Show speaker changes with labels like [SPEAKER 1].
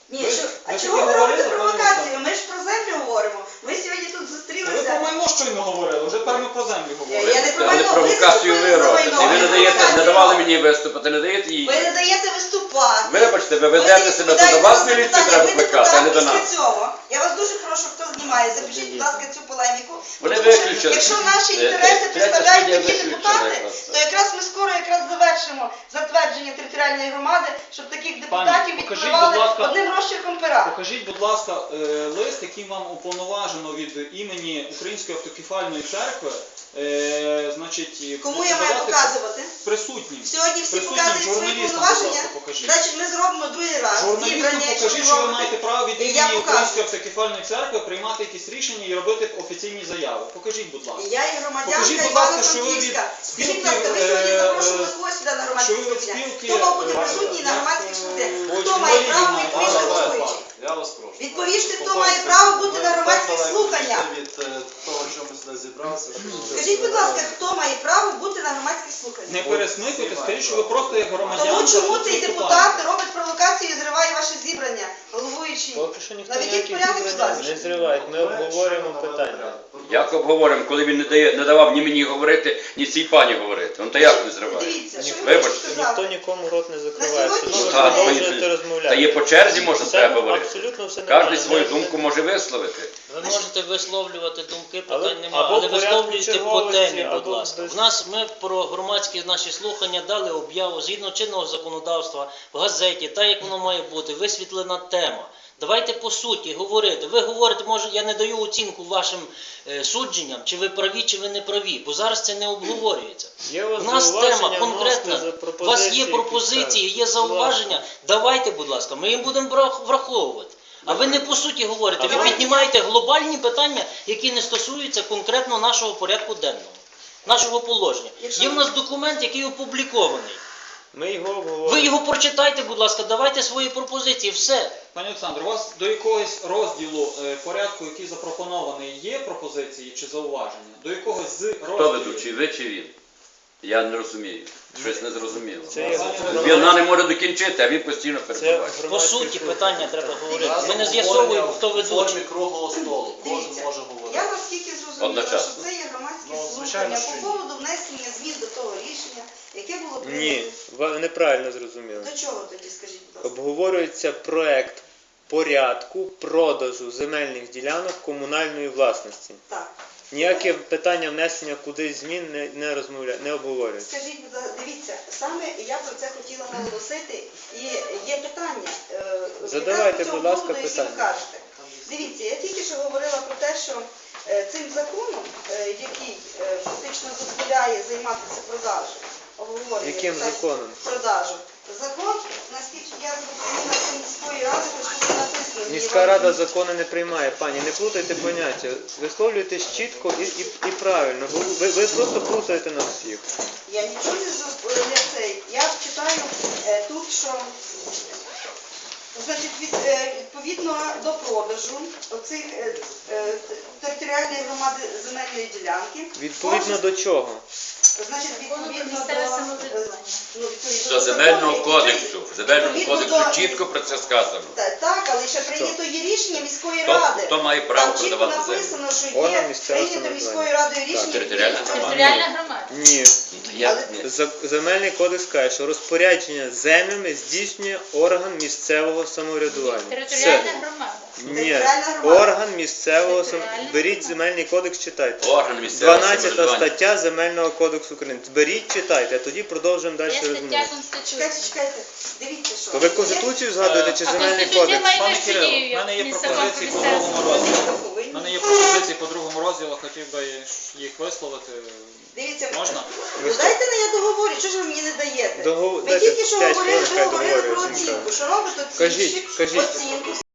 [SPEAKER 1] Ні, а чого ви робите провокацію? Ми ж про землю говоримо. Ми сьогодні тут зустрілися.
[SPEAKER 2] Ви про майно щойно говорили, вже тепер ми про землю говоримо.
[SPEAKER 1] Я не про
[SPEAKER 3] Але
[SPEAKER 1] майно,
[SPEAKER 3] провокацію ви робите.
[SPEAKER 1] майно.
[SPEAKER 3] Ви не давали мені виступити, не даєте їй.
[SPEAKER 1] Ви не даєте виступати.
[SPEAKER 3] Вибачте, ви ведете себе, то до вас міліцію треба викликати, а не до нас.
[SPEAKER 1] Я вас дуже прошу, хто знімає, запишіть, будь ласка, цю полеміку.
[SPEAKER 3] Вони
[SPEAKER 1] Тому що,
[SPEAKER 3] виключили.
[SPEAKER 1] якщо наші інтереси представляють такі депутати, то якраз ми скоро завершимо затвердження територіальної громади, щоб таких депутатів відпливали одним розчерком пера.
[SPEAKER 2] Покажіть, будь ласка, лист, який вам уповноважено від імені Української автокефальної церкви.
[SPEAKER 1] Кому я маю показувати?
[SPEAKER 2] Присутнім.
[SPEAKER 1] Сьогодні всі
[SPEAKER 2] Присутнім
[SPEAKER 1] показують свої
[SPEAKER 2] журналістам, будь
[SPEAKER 1] повноваження.
[SPEAKER 2] ласка, покажіть.
[SPEAKER 1] Значить, ми зробимо другий раз.
[SPEAKER 2] Журналістам покажіть, що ви маєте право від імені
[SPEAKER 1] показую.
[SPEAKER 2] Української автокефальної церкви приймати якісь рішення і робити офіційні заяви. Покажіть, будь ласка.
[SPEAKER 1] Я є громадянка
[SPEAKER 2] Покажіть, будь ласка, що ви від
[SPEAKER 1] Івано-Франківська. Скажіть, будь
[SPEAKER 2] спілки,
[SPEAKER 1] ласка, ви сьогодні запрошували когось сюди на громадські
[SPEAKER 2] що ви від
[SPEAKER 1] слухання?
[SPEAKER 2] спілки,
[SPEAKER 1] Хто мав бути присутній на громадських слуханнях? Хто має право відповісти головуючий?
[SPEAKER 4] Я вас прошу.
[SPEAKER 1] Відповісти, хто має право бути на громадських слуханнях?
[SPEAKER 4] Від того, що ми сюди зібралися.
[SPEAKER 1] Скажіть, будь ласка, хто має право бути на громадських слуханнях?
[SPEAKER 2] Не пересмикуйте, скажіть, що ви просто як громадянка.
[SPEAKER 1] Тому чому
[SPEAKER 2] тут
[SPEAKER 1] цей
[SPEAKER 2] виступаєте.
[SPEAKER 1] депутат робить провокацію і зриває ваше зібрання, головуючий?
[SPEAKER 5] Поки що ніхто
[SPEAKER 1] Наведіть
[SPEAKER 5] ніяких
[SPEAKER 1] порядок, будь
[SPEAKER 5] зібрань
[SPEAKER 1] ласка.
[SPEAKER 5] не зриває. Ми обговорюємо питання.
[SPEAKER 3] Як обговоримо, коли він не давав ні мені говорити, ні цій пані говорити? Он то як не зриває?
[SPEAKER 1] Дивіться, що ви
[SPEAKER 3] Вибачте.
[SPEAKER 1] хочете
[SPEAKER 5] Ніхто
[SPEAKER 1] сказати?
[SPEAKER 5] нікому рот не закриває.
[SPEAKER 1] На
[SPEAKER 5] Все одно ви
[SPEAKER 1] сьогоднішній день-
[SPEAKER 5] продовжуєте розмовляти.
[SPEAKER 3] Та є по черзі, може,
[SPEAKER 5] Все
[SPEAKER 3] треба говорити.
[SPEAKER 5] абсолютно все нормально.
[SPEAKER 3] Кожен свою думку може висловити.
[SPEAKER 6] Ви можете висловлювати думки,
[SPEAKER 5] Але-
[SPEAKER 6] питань немає,
[SPEAKER 5] або
[SPEAKER 6] але
[SPEAKER 5] в порядку
[SPEAKER 6] висловлюйте по
[SPEAKER 5] черговості,
[SPEAKER 6] темі, будь
[SPEAKER 5] або
[SPEAKER 6] ласка.
[SPEAKER 5] без-
[SPEAKER 6] У нас ми про громадські наші слухання дали об'яву згідно чинного законодавства в газеті, так як воно має бути, висвітлена тема. Давайте по суті говорити. Ви говорите, може, я не даю оцінку вашим судженням, чи ви праві, чи ви не праві, бо зараз це не обговорюється.
[SPEAKER 5] Є у
[SPEAKER 6] У
[SPEAKER 5] вас
[SPEAKER 6] нас
[SPEAKER 5] зауваження,
[SPEAKER 6] тема конкретна.
[SPEAKER 5] вносите
[SPEAKER 6] У вас є
[SPEAKER 5] пропозиції,
[SPEAKER 6] пропозиції, є
[SPEAKER 5] будь ласка.
[SPEAKER 6] зауваження. Давайте, будь ласка, ми їм будемо враховувати. А ви не по суті говорите, ви
[SPEAKER 1] Давайте.
[SPEAKER 6] піднімаєте глобальні питання, які не стосуються конкретно нашого порядку денного, нашого положення.
[SPEAKER 1] Якщо
[SPEAKER 6] Є в нас документ, який опублікований.
[SPEAKER 5] Ми його обговорюємо.
[SPEAKER 6] Ви його прочитайте, будь ласка, давайте свої пропозиції, все.
[SPEAKER 2] Пані Олександр, у вас до якогось розділу порядку, який запропонований, є пропозиції чи зауваження? До якогось з
[SPEAKER 3] Хто
[SPEAKER 2] розділів?
[SPEAKER 3] ведучий, ви чи він? Я не розумію. Щось не зрозуміло.
[SPEAKER 5] Це є
[SPEAKER 3] Вона не може докінчити, а він постійно
[SPEAKER 5] Це
[SPEAKER 3] перебуває.
[SPEAKER 6] По
[SPEAKER 5] громадські
[SPEAKER 6] суті,
[SPEAKER 5] слухання.
[SPEAKER 6] питання треба говорити.
[SPEAKER 1] Дивіться.
[SPEAKER 6] Ми не з'ясовуємо, хто
[SPEAKER 4] В
[SPEAKER 6] ведучий.
[SPEAKER 4] формі круглого столу. Кожен
[SPEAKER 1] Дивіться,
[SPEAKER 4] може говорити.
[SPEAKER 1] я наскільки зрозуміла,
[SPEAKER 3] Одночасно.
[SPEAKER 1] що це є громадські
[SPEAKER 4] Ну, звичайно,
[SPEAKER 1] слухання
[SPEAKER 4] що ні.
[SPEAKER 1] по поводу внесення змін до того рішення, яке було
[SPEAKER 5] Ні,
[SPEAKER 1] прийнято.
[SPEAKER 5] ви неправильно зрозуміли.
[SPEAKER 1] До чого тоді, скажіть, будь ласка?
[SPEAKER 5] Обговорюється проект порядку продажу земельних ділянок комунальної власності.
[SPEAKER 1] Так.
[SPEAKER 5] Ніяке питання внесення кудись змін не обговорюється.
[SPEAKER 1] Скажіть, будь ласка, дивіться, саме я про це хотіла наголосити, і є питання.
[SPEAKER 5] Задавайте,
[SPEAKER 1] якраз по цьому
[SPEAKER 5] будь ласка,
[SPEAKER 1] поводу, який
[SPEAKER 5] питання.
[SPEAKER 1] ви кажете. Дивіться, я тільки що говорила про те, що цим законом, який фактично дозволяє займатися продажем, обговорення
[SPEAKER 5] Яким
[SPEAKER 1] питань
[SPEAKER 5] законом?
[SPEAKER 1] продажу. Закон, наскільки я зрозуміла, це міської ради, що тут написано.
[SPEAKER 5] Міська рада закони не приймає, пані, не плутайте поняття. Висловлюйтесь чітко і правильно, бо ви просто плутаєте нас всіх.
[SPEAKER 1] Я нічого не цей. Я читаю тут, що значить, відповідно до продажу оцих територіальної громади земельної ділянки.
[SPEAKER 5] Відповідно до чого?
[SPEAKER 1] Значить, відповідно
[SPEAKER 7] Місцеве
[SPEAKER 1] до
[SPEAKER 7] самоврядування.
[SPEAKER 1] відповідно
[SPEAKER 3] До земельного кодексу. В земельному
[SPEAKER 1] Відповідно
[SPEAKER 3] кодексу
[SPEAKER 1] до-
[SPEAKER 3] чітко про це сказано.
[SPEAKER 1] Так, але ще прийнято є рішення міської
[SPEAKER 3] Хто-
[SPEAKER 1] ради.
[SPEAKER 3] хто має право
[SPEAKER 1] Там чітко
[SPEAKER 3] продавати землю?
[SPEAKER 1] написано, що
[SPEAKER 5] Орган
[SPEAKER 1] є
[SPEAKER 5] місцевого
[SPEAKER 1] прийнято міською
[SPEAKER 5] самоврядування.
[SPEAKER 1] радою рішення.
[SPEAKER 3] територіальна
[SPEAKER 1] відповідно-
[SPEAKER 3] громада.
[SPEAKER 7] Територіальна громада.
[SPEAKER 5] Ні. Земельний кодекс каже, що розпорядження землями здійснює орган місцевого самоврядування.
[SPEAKER 7] Територіальна громада.
[SPEAKER 5] Ні,
[SPEAKER 1] Територіальна громада.
[SPEAKER 5] орган місцевого
[SPEAKER 7] Територіальна
[SPEAKER 5] Беріть
[SPEAKER 7] громада.
[SPEAKER 5] земельний кодекс, читайте.
[SPEAKER 3] Орган місцевого
[SPEAKER 5] 12
[SPEAKER 3] самоврядування.
[SPEAKER 5] стаття Земельного кодексу України. Беріть, читайте, а тоді продовжуємо далі
[SPEAKER 7] Є стаття
[SPEAKER 5] розмову.
[SPEAKER 7] Конституції.
[SPEAKER 1] Чекайте. Дивіться, що.
[SPEAKER 5] То ви Конституцію згадуєте чи
[SPEAKER 7] А
[SPEAKER 5] Земельний
[SPEAKER 7] Конституція
[SPEAKER 5] кодекс?
[SPEAKER 7] має
[SPEAKER 2] Пане
[SPEAKER 7] вищу
[SPEAKER 2] Кирило,
[SPEAKER 7] дію,
[SPEAKER 2] в мене є
[SPEAKER 7] ніж
[SPEAKER 2] пропозиції по
[SPEAKER 7] закон про
[SPEAKER 2] другому
[SPEAKER 7] місцеве
[SPEAKER 2] розділу. У мене є пропозиції по другому розділу, хотів би їх висловити.
[SPEAKER 1] Дивіться,
[SPEAKER 2] Можна?
[SPEAKER 1] ну дайте на я договорю, чого ж ви мені не даєте? Ми
[SPEAKER 5] Дайте
[SPEAKER 1] тільки що
[SPEAKER 5] 5
[SPEAKER 1] говорили,
[SPEAKER 5] хвилин,
[SPEAKER 1] ви
[SPEAKER 5] хай
[SPEAKER 1] говорили
[SPEAKER 5] договорює,
[SPEAKER 1] про
[SPEAKER 5] Сімка.
[SPEAKER 1] оцінку, що робить
[SPEAKER 5] Кажіть,
[SPEAKER 1] оцінку,
[SPEAKER 5] кажіть.
[SPEAKER 1] оцінку